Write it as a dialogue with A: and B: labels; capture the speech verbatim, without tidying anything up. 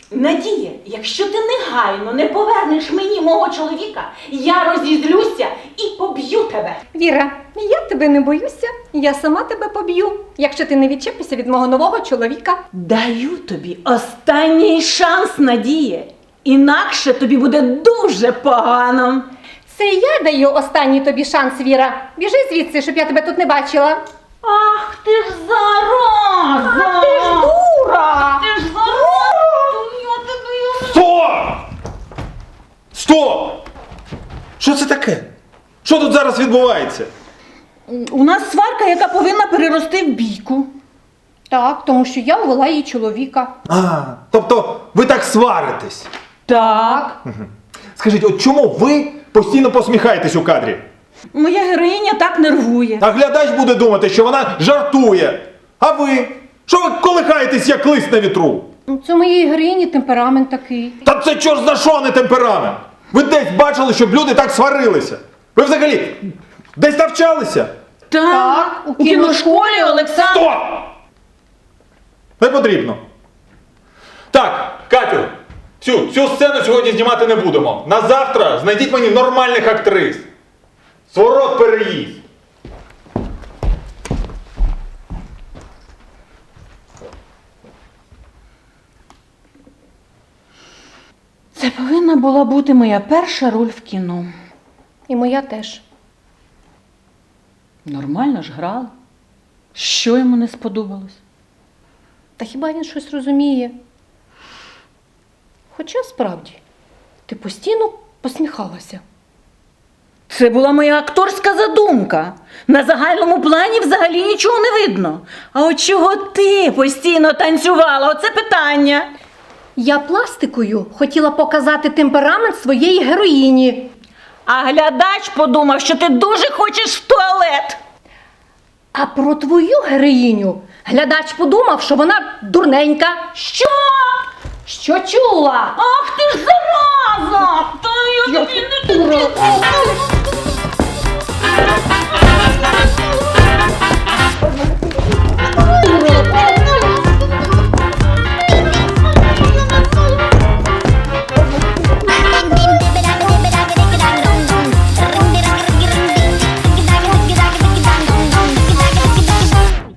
A: Надія, якщо ти негайно не повернеш мені мого чоловіка, я розізлюся і поб'ю тебе.
B: Віра, я тебе не боюся, я сама тебе поб'ю, якщо ти не відчепишся від мого нового чоловіка.
A: Даю тобі останній шанс, Надія. Інакше тобі буде дуже погано.
B: Це я даю останній тобі шанс, Віра. Біжи звідси, щоб я тебе тут не бачила.
A: Ах ти ж зараза!
B: Ах ти ж дура!
A: Ти ж зараза! Я тебе...
C: Стоп! Стоп! Що це таке? Що тут зараз відбувається?
A: У нас сварка, яка повинна перерости в бійку.
B: Так, тому що я увела її чоловіка.
C: А, тобто ви так сваритесь.
A: Так.
C: Скажіть, от чому ви постійно посміхаєтесь у кадрі?
A: Моя героїня так нервує.
C: А глядач буде думати, що вона жартує. А ви? Що ви колихаєтесь, як лист на вітру?
B: Ну, це моєї героїні темперамент такий.
C: Та це чорт за що, не темперамент? Ви десь бачили, щоб люди так сварилися? Ви взагалі десь навчалися?
A: Так,
B: у
A: у кіношколі Олександр...
C: Стоп! Не потрібно. Так, Катю, цю, цю сцену сьогодні знімати не будемо. На завтра знайдіть мені нормальних актрис. Сворот переїзд.
A: Це повинна була бути моя перша роль в кіно.
B: І моя теж.
A: Нормально ж грала. Що йому не сподобалось?
B: Та хіба він щось розуміє? Хоча справді, ти постійно посміхалася.
A: Це була моя акторська задумка. На загальному плані взагалі нічого не видно. А от чого ти постійно танцювала? Оце питання.
B: Я пластикою хотіла показати темперамент своєї героїні.
A: А глядач подумав, що ти дуже хочеш в туалет.
B: А про твою героїню глядач подумав, що вона дурненька.
A: Що?
B: Що чула?
A: Ах ти ж зараза! Та